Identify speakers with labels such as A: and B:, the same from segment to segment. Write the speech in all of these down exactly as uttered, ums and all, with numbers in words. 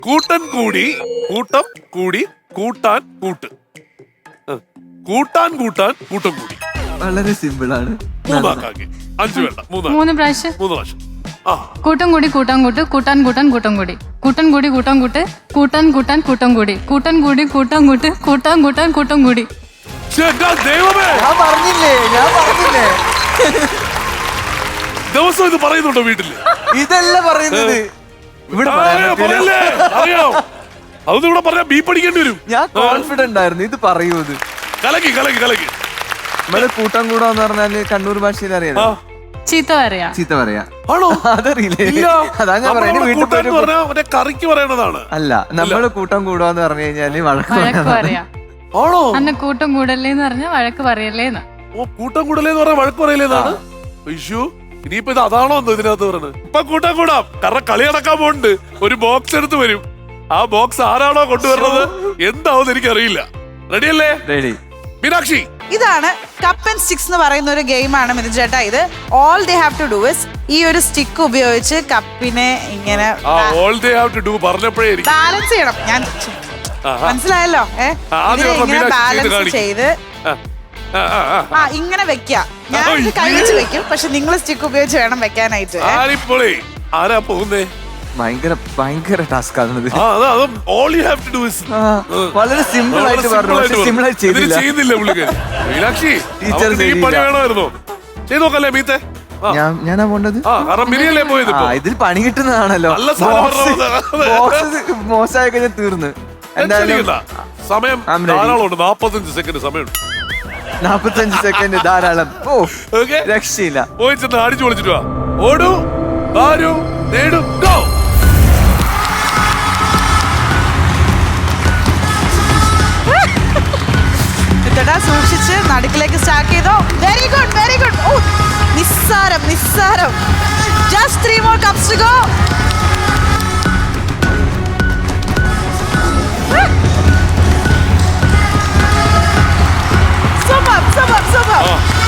A: കൂട്ടൻ കൂടി കൂട്ടം കൂടി കൂട്ടാൻ കൂട്ട് കൂട്ടാൻ കൂട്ടാൻ കൂട്ടം കൂടി.
B: വളരെ സിമ്പിൾ ആണ്.
A: മൂന്നാക്കാക്കി അഞ്ചു വേണ്ട മൂന്നാ
C: മൂന്ന് പ്രാവശ്യം
A: മൂന്ന് പ്രാവശ്യം. ആ
C: കൂട്ടം കൂടി കൂട്ടാൻ കൂട്ട് കൂട്ടാൻ കൂട്ടാൻ കൂട്ടം കൂടി കൂട്ടൻ കൂടി കൂട്ടാൻ കൂട്ട് കൂട്ടാൻ കൂട്ടാൻ കൂട്ടം കൂടി കൂട്ടൻ കൂടി കൂട്ടാൻ കൂട്ട് കൂട്ടാൻ കൂട്ടാൻ കൂട്ടം കൂടി.
A: ദൈവമേ,
B: ഞാൻ പറഞ്ഞില്ലേ ഞാൻ പറഞ്ഞില്ലേ
A: ദിവസം ഇത് പറയുന്നുണ്ടോ വീട്ടില്?
B: ഇതല്ല പറയുന്നത്. ഇവിടെ
A: അറിയാം, അതൊന്നും ഇവിടെ പറഞ്ഞാൽ ബീ പഠിക്കേണ്ടി വരും.
B: ഞാൻ കോൺഫിഡന്റ് ആയിരുന്നു ഇത് പറയൂ. ഇത്
A: കലക്കി കലക്കി കലക്കി.
B: നമ്മള് കൂട്ടം കൂടാന്ന് പറഞ്ഞാല് കണ്ണൂർ ഭാഷയിൽ അറിയാം.
C: ചീത്ത പറയാ.
B: ചീത്ത പറയാ.
A: ആണോ?
B: അതറിയില്ലേ? അതാ ഞാൻ
A: പറയുന്നത്. കറിക്ക് പറയണതാണ്.
B: അല്ല, നമ്മള് കൂട്ടം കൂടാന്ന് പറഞ്ഞു കഴിഞ്ഞാല് വഴക്ക്
C: വഴക്ക് പറയാ.
A: ആണോ?
C: അന്ന് കൂട്ടം കൂടല്ലേന്ന് പറഞ്ഞ വഴക്ക് പറയല്ലേന്ന്.
A: ഓ, കൂട്ടം കൂടലേന്ന് പറഞ്ഞ വഴക്ക് പറയലേന്നാണ്. അയ്യോ, ഇനിയിപ്പോ ഇത് അതാണോ എന്തോ ഇതിനകത്ത് പറഞ്ഞത്? ഇപ്പൊ കൂട്ടം കൂടാം, കാരണം കളി നടക്കാൻ പോകുന്നുണ്ട്. ഒരു ബോക്സ് എടുത്ത് വരും. ആ ബോക്സ് ആരാണോ കൊണ്ടുവരുന്നത് എന്താവും എനിക്കറിയില്ല. റെഡിയല്ലേ?
B: റെഡി.
A: മീനാക്ഷി,
D: ഇതാണ് കപ്പ് ആൻഡ് സ്റ്റിക്സ് എന്ന് പറയുന്ന ഒരു ഗെയിമാണ് മിഥുൻ ചേട്ടാ. ഇത് all they have to do is ഈ ഒരു സ്റ്റിക്ക് ഉപയോഗിച്ച് കപ്പിനെ ഇങ്ങനെ ബാലൻസ് ചെയ്യണം. ഞാൻ മനസ്സിലായല്ലോ. ഏഹ് ഇങ്ങനെ ബാലൻസ് ചെയ്ത് ആ ഇങ്ങനെ വെക്ക. ഞാൻ ഇത് കഴിച്ച് വെക്കും, പക്ഷെ നിങ്ങൾ സ്റ്റിക്ക് ഉപയോഗിച്ച് വേണം വെക്കാനായിട്ട്.
A: ആരാ പോകുന്നേ?
B: ഭയങ്കര ഭയങ്കര ടാസ്ക് ആണത്. വളരെ സിമ്പിൾ ആയിട്ട് പറഞ്ഞു, സിമ്പിൾ ആയിട്ട് ചെയ്തില്ല.
A: മീനാക്ഷി, ഈ പണി വേണമായിരുന്നോ? ചെയ്ത് നോക്കല്ലേ മീത്തെ?
B: ഞാനാ പോണ്ടത്. ഇതിൽ പണി കിട്ടുന്നതാണല്ലോ. മോശമായി കഴിഞ്ഞാൽ തീർന്ന്. എന്തായാലും
A: സമയം ധാരാളമുണ്ട്. നാപ്പത്തഞ്ച് സെക്കൻഡ് സമയമുണ്ട്.
B: നാപ്പത്തഞ്ച് സെക്കൻഡ് ധാരാളം. ഓ, രക്ഷയില്ല.
A: പോയി ചെന്ന് അടിച്ചു പൊളിച്ചിട്ട് വാ. ഓടൂ, ആരു നേടും, ഗോ.
D: സൂക്ഷിച്ച് നടുക്കിലേക്ക് സ്റ്റാർട്ട് ചെയ്തോ. Very good, very good. ഓ, നിസ്സാരം നിസ്സാരം. Just three more cups to go. Super super super.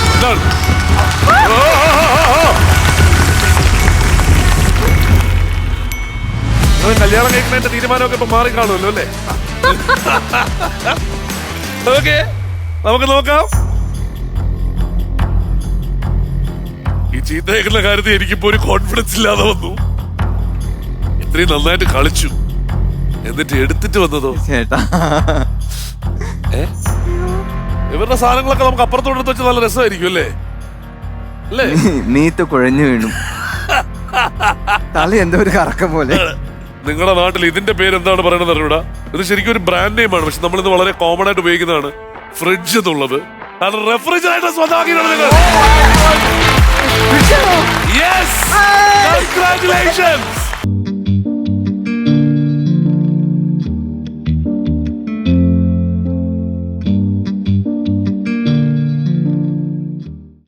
A: കല്യാണം കഴിക്കുന്നതിന്റെ തീരുമാനമൊക്കെ ഇപ്പൊ മാറി കാണുമല്ലോ അല്ലേ? ഓക്കെ, നമുക്ക് നോക്കാം. ഈ ചീത്ത കേൾക്കുന്ന കാര്യത്തിൽ എനിക്കിപ്പോ ഒരു കോൺഫിഡൻസ് ഇല്ലാതെ വന്നു. ഇത്രയും നന്നായിട്ട് കളിച്ചു, എന്നിട്ട് എടുത്തിട്ട് വന്നതോ
B: ചേട്ടാ.
A: ഏ ഇവരുടെ സാധനങ്ങളൊക്കെ നമുക്ക് അപ്പുറത്തോട്ട് വെച്ച് നല്ല രസമായിരിക്കും അല്ലേ? അല്ലേ?
B: നീത്ത് കുഴഞ്ഞു വീണു. തല എന്തോ ഒരു കറക്കം പോലെ.
A: നിങ്ങളുടെ നാട്ടിൽ ഇതിന്റെ പേര് എന്താണ് പറയുന്നത് അറിയൂടാ? ഇത് ശരിക്കും ഒരു ബ്രാൻഡ് നെയിം ആണ്, പക്ഷെ നമ്മളിത് വളരെ കോമൺ ആയിട്ട് ഉപയോഗിക്കുന്നതാണ് ഫ്രിഡ്ജ് എന്നുള്ളത്. കാരണം റെഫ്രിജറേറ്റർ സ്വന്തമാക്കിയിട്ടാണ് നിങ്ങൾ. Yes! Congratulations!